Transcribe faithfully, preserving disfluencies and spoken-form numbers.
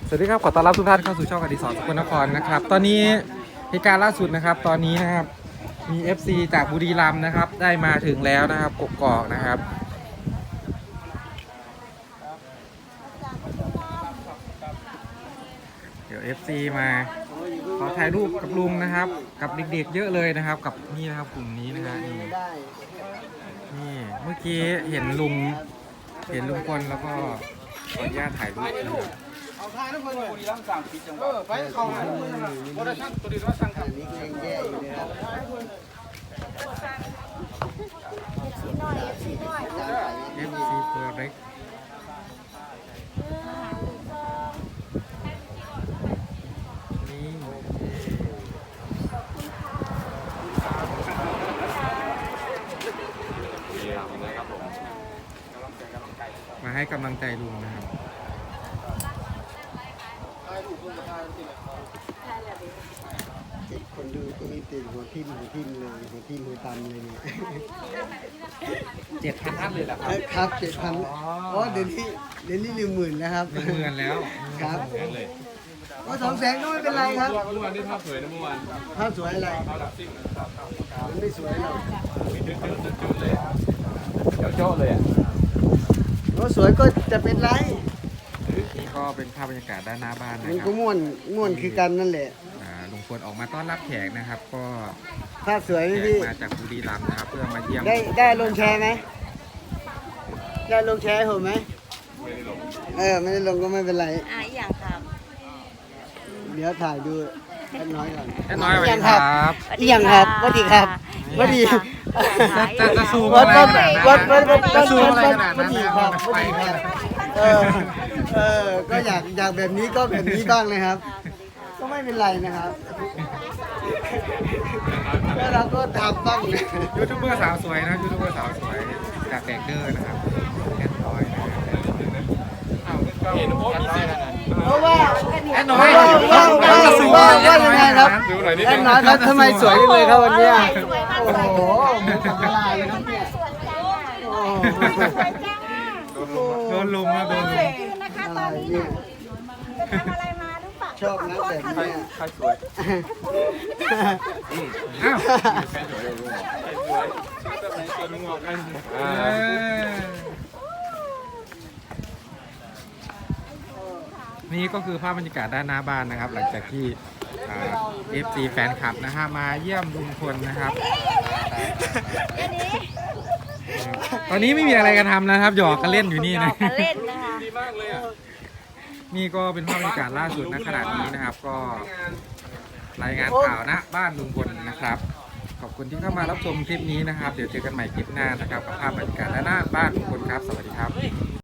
สวัสดีครับขอต้อนรับทุกท่านเข้าสู่ช่องอดิศรสกลนครนะครับตอนนี้เหตุการณ์ล่าสุดนะครับตอนนี้นะครับมี เอฟ ซี จากบุรีรัมย์นะครับได้มาถึงแล้วนะครับกกอกนะครับเดี๋ยว เอฟ ซี มาขอถ่ายรูปกับลุงนะครับกับเด็กๆเยอะเลยนะครับกับนี่นะครับกลุ่มนี้นะฮะนี่นี่เมื่อกี้เห็นลุงเห็นลุงพลแล้วก็ขออนุญาตถ่ายรูปนะครับเอาทายทุกคนเลยบุรีรัมย์สั่งปิดจังหวัดเออไปเข้าหาทุกคนนะโปรดักชั่นตัวดีว่าสั่งครับนี่เองแย่อยู่นะครับเอฟ ซี ตัวเล็กนี่มาให้กำลังใจลุงนะครับคนดูก็มีติดหัวทิ่มหัวทิ่มเลยหัวทิ่มหัวตำเลยเนี่ยเจ็ดพันท่านเลยเหรอครับครับเจ็ดพันอ๋อเดี๋ยวนี้เดี๋ยวนี้หนึ่งหมื่นแล้วครับหนึ่งหมื่นแล้วครับก็สองแสนก็ไม่เป็นไรครับเมื่อวานนี้ภาพสวยนะเมื่อวานภาพสวยอะไรมันไม่สวยหรอกเดี๋ยวโจ้เลยอ่ะก็สวยก็จะเป็นไรนี่ก็เป็นภาพบรรยากาศด้านหน้าบ้านนะมันครัก็บม่วนม่วนคือกันนั่นแหละอ่าลุงพลออกมาต้อนรับแขกนะครับ ก็ภาพสวยไหมแขกพี่มาจากบุรีรัมย์นะครับเพื่อมาเยี่ยมได้ได้ลงแชร์ไหมได้ลงแชร์ให้ผมไหมเออไม่ได้ลงก็ไม่เป็นไรอ่ะอย่างครับเดี๋ยวถ่ายดูแค่น้อยก่อนแค่น้อยสวัสดีครับอีหยังครับสวัสดีครับสวัสดีจะจะจะซูมวัอะดไรวัดขนาดนั้นวัดวัดวัดจะซูมอะไรขนาดวันั้ดนดีนะครับวัดดีครับเออเออก็อยากอยากแบบนี้ก็แบบนี้บ้างนะครับ ก็ไม่เป็นไรนะครับแล้วเราก็ทำบ้างนะยูทูบเบอร์สาวสวยนะยูทูบเบอร์สาวสวยจากแดกเดอร์นะครับแอดน้อยนะครับเห็นโอ้มีเสียงขนาดเพราะว่าแอดน้อว่าย ว่าว่าจะซูมว่าแอว่าดน้ยัอยงไงครับดูหน่อยนิดแอนึดงน้อยครับทำไมสวยจังเลยครับวันเนี้ยสวยมากโอ้เลยโหเหมือนกับละลายเลยครับเนี่ยโอ้โหโดนลุมนะโดนลุมนะคะอะไรตอนนี้เนี่ยจะทำอะไรมาหรือเปล่าชอบนะแบบเนี้ยใครสวยอ้าวตัวนึงออกกันเออ่าอนี่ก็คือภาพบรรยากาศด้านหน้าบ้านนะครับ หลังจากที่เอฟซีแฟนคลับนะฮะมาเยี่ยมลุงพลนะครับ ตอนนี้ไม่มีอะไรกันทำนะครับ หยอกกันเล่นอยู่นี่นะกันเล่นนะคะดีมากเลยอ่ะนี่ก็เป็นภาพบรรยากาศล่าสุดณขณะนี้นะครับ ก็รายงานข่าวณบ้านลุงพลนะครับ ขอบคุณที่เข้ามารับชมคลิปนี้นะครับ เดี๋ยวเจอกันใหม่คลิปหน้านะครับกับภาพบรรยากาศด้านหน้าบ้านลุงพลครับ สวัสดีครับ